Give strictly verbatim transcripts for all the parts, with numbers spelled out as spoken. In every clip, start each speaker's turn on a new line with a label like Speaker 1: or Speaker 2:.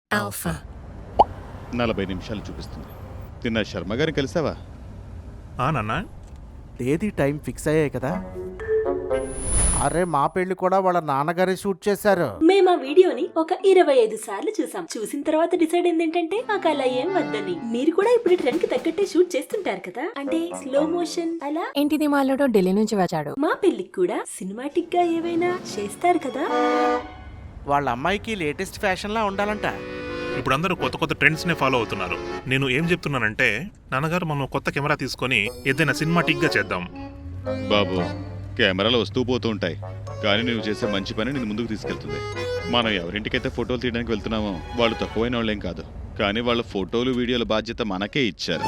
Speaker 1: Alpha.
Speaker 2: నలభై నిమిషాలు చూపిస్తుంది. నిన్న శర్మ గారిని కలిసావా?
Speaker 3: ఆ నాన్న,
Speaker 4: తేదీ టైం ఫిక్స్ అయ్యాయి కదా. అరే మా పెళ్లి కూడా వాళ్ళ నాన్నగారే షూట్ చేశారు.
Speaker 1: మేము ఆ వీడియోని ఒక ఇరవై ఐదు సార్లు చూసాం. చూసిన తర్వాత డిసైడ్ అయింది ఏంటంటే మాకు అలా ఏం వద్దని. మీరు కూడా ఇప్పుడు ట్రెండ్ కి తగ్గట్టే షూట్ చేస్తుంటారు కదా, అంటే స్లో మోషన్ అలా.
Speaker 5: ఇంటిది మాలోడో ఢిల్లీ నుంచి వచ్చాడు.
Speaker 1: మా పెళ్లికి కూడా సినిమాటిక్ గా ఏవైనా చేస్తారు కదా.
Speaker 4: వాళ్ళ అమ్మాయికి లేటెస్ట్ ఫ్యాషన్ లా ఉండాలంట.
Speaker 3: ఇప్పుడు అందరూ కొత్త కొత్త ట్రెండ్స్ నే ఫాలో అవుతున్నారు. నేను ఏం చెప్తున్నానంటే, నాన్నగారు మనం కొత్త కెమెరా తీసుకొని ఏదైనా సినిమాటిక్ గా చేద్దాం.
Speaker 2: బాబు, కెమెరాలు వస్తూ పోతూ ఉంటాయి, కానీ నువ్వు చేసే మంచి పని నేను ముందుకు తీసుకెళ్తుంది. మనం ఎవరింటికైతే ఫోటోలు తీయడానికి వెళ్తున్నామో వాళ్ళు తక్కువైన వాళ్ళేం కాదు, కానీ వాళ్ళ ఫోటోలు వీడియోల బాధ్యత మనకే ఇచ్చారు.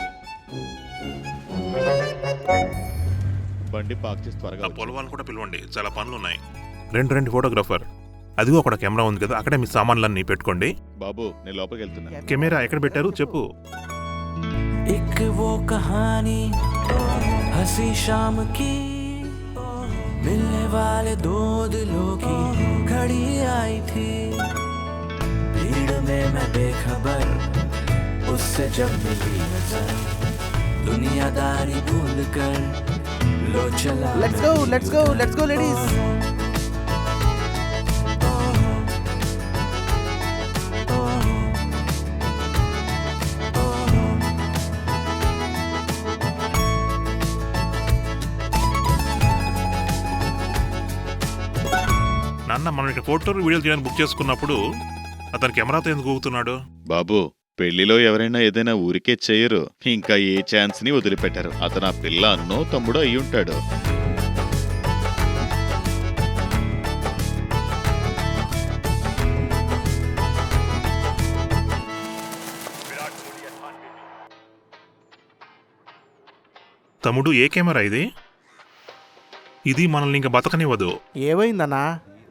Speaker 2: బండి పార్క్ చేసి త్వరగా
Speaker 3: ఆ పొలం వాళ్ళని కూడా పిలవండి, చాలా పనులు ఉన్నాయి. రెండు రెండు ఫోటోగ్రాఫర్, అదిగో అక్కడ కెమెరా ఉంది కదా, అక్కడే మీ సామాన్లన్నీ పెట్టుకోండి.
Speaker 2: బాబు, నేను లోపలికి వెళ్తున్నా.
Speaker 3: కెమెరా ఎక్కడ పెట్టారు చెప్పు.
Speaker 6: एक वो कहानी हंसी शाम की, मिलने वाले दो दिलों की घड़ी आई थी। भीड़ में मैं बेखबर, उससे जब मिली नजर, दुनियादारी भूल कर लो चला।
Speaker 4: Let's go let's go let's go ladies.
Speaker 3: నాన్న, మనం ఇక్కడ ఫోటోలు వీడియోలు తీయడానికి బుక్ చేసుకున్నప్పుడు అతను కెమెరాతో ఎందుకు ఊగుతున్నాడు?
Speaker 2: బాబు, పెళ్లిలో ఎవరైనా ఏదైనా ఊరికే చేయరు, ఇంకా ఏ ఛాన్స్ ని వదిలిపెట్టారు. అతను ఆ పిల్ల అన్నో తమ్ముడో అయి ఉంటాడు.
Speaker 3: తమ్ముడు, ఏ కెమెరా ఇది? ఇది మనల్ని ఇంకా బతకనివ్వదు.
Speaker 4: ఏమైందన్నా?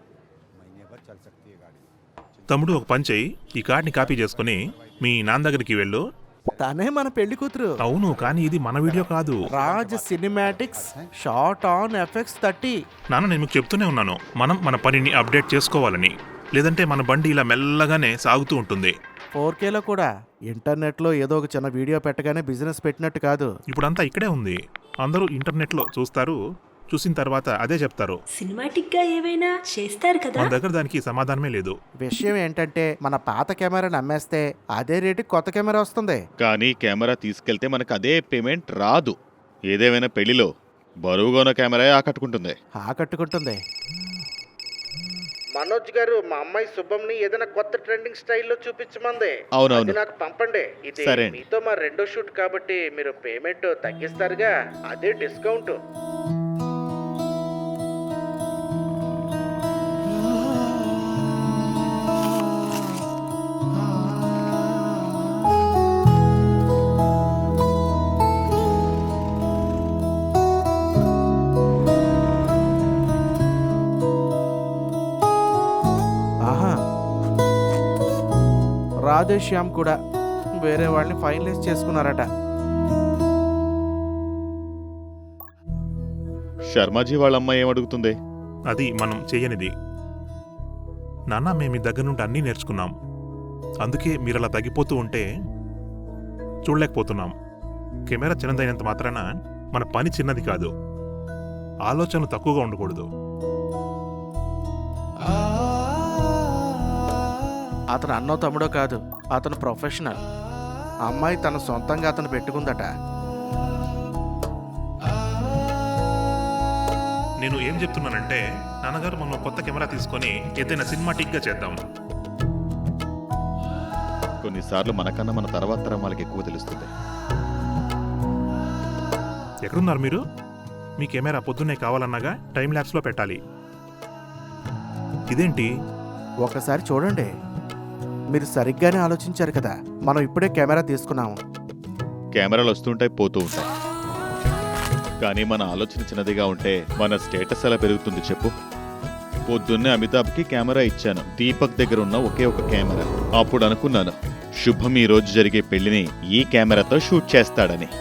Speaker 3: తమ్ముడు, ఒక పని చెయ్యి, ఈ కార్డ్ని కాపీ చేసుకుని మీ నాన్న దగ్గరికి వెళ్ళు.
Speaker 4: తనే మన పెళ్లి కూతురు.
Speaker 3: అవును, కానీ ఇది మన వీడియో కాదు.
Speaker 4: Raj cinematics short on effects thirty.
Speaker 3: నాన్న, నేను మీకు చెప్తూనే ఉన్నాను, మనం మన పనిని అప్డేట్ చేసుకోవాలని, లేదంటే మన బండి ఇలా మెల్లగానే సాగుతూ ఉంటుంది.
Speaker 4: ఫోర్ కేలో కూడా. ఇంటర్నెట్లో ఏదో ఒక చిన్న వీడియో పెట్టగానే బిజినెస్ పెట్టినట్టు కాదు.
Speaker 3: ఇప్పుడంతా ఇక్కడే ఉంది. అందరూ ఇంటర్నెట్లో చూస్తారు, చూసిన తర్వాత అదే చెప్తారు.
Speaker 1: సినిమాటిక్ గా ఏవైనా చేస్తారు కదా.
Speaker 3: మన దగ్గర దానికి సమాధానమే లేదు.
Speaker 4: విషయం ఏంటంటే మన పాత కెమెరాని అమ్మేస్తే అదే రేటుకి కొత్త కెమెరా వస్తుంది.
Speaker 2: కానీ కెమెరా తీసుకెళ్తే మనకు అదే పేమెంట్ రాదు. ఏదేమైనా పెళ్లిలో బరువుగా ఉన్న కెమెరా ఆకట్టుకుంటుంది.
Speaker 4: ఆకట్టుకుంటుంది. మనోజ్ గారు, మా అమ్మాయి శుభంని ఏదైనా కొత్త ట్రెండింగ్ స్టైల్లో చూపించమంది.
Speaker 2: అవునవును.
Speaker 4: అది నాకు పంపండి. ఇది
Speaker 2: సరే అండి.
Speaker 4: మీతో మా రెండో షూట్ కాబట్టి మీరు పేమెంట్ తగ్గిస్తారుగా, అదే డిస్కౌంట్. ఆహా, రాధేశ్యామ్ కూడా వేరే వాళ్ళని ఫైనలైజ్ చేసుకున్నారట.
Speaker 2: శర్మాజీ వాళ్ళ అమ్మాయి ఏమడుగుతుంది?
Speaker 3: అది మనం చెయ్యనిది. నాన్న, మేము మీ దగ్గర నుండి అన్నీ నేర్చుకున్నాం, అందుకే మీరు అలా తగ్గిపోతూ ఉంటే చూడలేకపోతున్నాం. కెమెరా చిన్నదైనంత మాత్రాన మన పని చిన్నది కాదు. ఆలోచనలు తక్కువగా ఉండకూడదు.
Speaker 4: అతను అన్నో తమ్ముడో కాదు, అతను ప్రొఫెషనల్. అమ్మాయి తన సొంతంగా అతను పెట్టుకుందట.
Speaker 3: నేను ఏం చెప్తున్నానంటే, నాన్నగారు మనం కొత్త కెమెరా తీసుకొని ఏదైనా సినిమాటిక్ గా చేద్దాం.
Speaker 2: కొన్నిసార్లు మనకన్నా మన తర్వాత తరం వాళ్ళకి ఎక్కువ తెలుస్తుంది.
Speaker 3: ఎక్కడున్నారు మీరు? మీ కెమెరా పొద్దున్నే కావాలన్నాగా టైం ల్యాబ్స్ లో పెట్టాలి. ఇదేంటి?
Speaker 4: ఒకసారి చూడండి. మీరు సరిగ్గానే ఆలోచించారు కదా. మనం ఇప్పుడే కెమెరా తీసుకున్నాము.
Speaker 2: కెమెరాలు వస్తుంటాయి, పోతూ ఉంటాయి, కానీ మన ఆలోచన చిన్నదిగా ఉంటే మన స్టేటస్ ఎలా పెరుగుతుంది చెప్పు? పొద్దున్నే అమితాబ్కి కెమెరా ఇచ్చాను, దీపక్ దగ్గర ఉన్న ఒకే ఒక కెమెరా. అప్పుడు అనుకున్నాను, శుభం ఈ రోజు జరిగే పెళ్లిని ఈ కెమెరాతో షూట్ చేస్తాడని.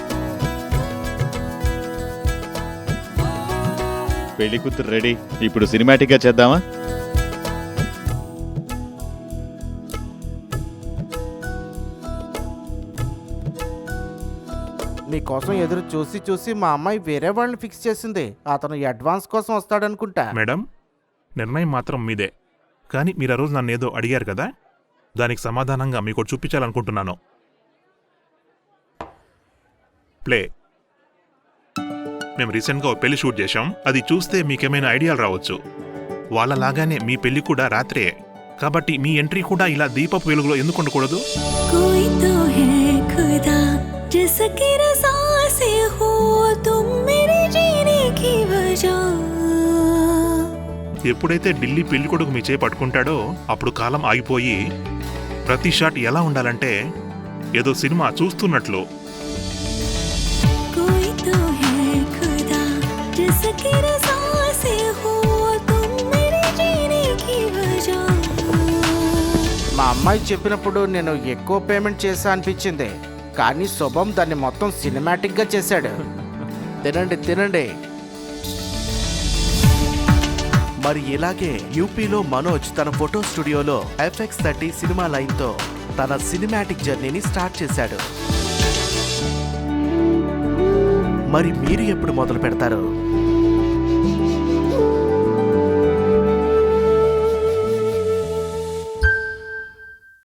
Speaker 2: పెళ్లి కూతురు రెడీ. ఇప్పుడు సినిమాటిక్ గా చేద్దామా?
Speaker 4: మీకోసం ఎదురు చూసి చూసి మా అమ్మాయి వేరే వాళ్ళని ఫిక్స్ చేసింది. అతను అడ్వాన్స్ కోసం వస్తాడనుకుంటా.
Speaker 3: మేడం, నిర్ణయం మాత్రం మీదే. కానీ మీరు ఆ రోజు నన్ను ఏదో అడిగారు కదా, దానికి సమాధానంగా మీకు ఒకటి చూపించాలనుకుంటున్నాను. ప్లే. మేము రీసెంట్గా ఒక పెళ్లి షూట్ చేశాం. అది చూస్తే మీకేమైనా ఐడియాలు రావచ్చు. వాళ్ళలాగానే మీ పెళ్లి కూడా రాత్రే. కాబట్టి మీ ఎంట్రీ కూడా ఇలా దీపపు వెలుగులో ఎందుకు ఉండకూడదు?
Speaker 7: कोई तो है खुदा जिसकी रज़ा से हो तुम मेरे जीने की वजह.
Speaker 3: ఎప్పుడైతే ఢిల్లీ పెళ్లి కొడుకు మీ చేయి పట్టుకుంటాడో అప్పుడు కాలం ఆగిపోయి ప్రతి షాట్ ఎలా ఉండాలంటే ఏదో సినిమా చూస్తున్నట్లు.
Speaker 7: कोई तो है खुदा जिसकी रज़ा से हो तुम मेरे जीने की वजह.
Speaker 4: మా అమ్మాయి చెప్పినప్పుడు నేను ఎక్కువ పేమెంట్ చేశా అనిపించింది, కానీ శుభం దాన్ని మొత్తం సినిమాటిక్గా చేశాడు. తినండి తినండి.
Speaker 8: మరి ఇలాగే యూపీలో మనోజ్ తన ఫోటో స్టూడియోలో ఎఫ్ఎక్స్ థర్టీ సినిమా లైన్తో తన సినిమాటిక్ జర్నీని స్టార్ట్ చేశాడు. మరి మీరు ఎప్పుడు మొదలు పెడతారు?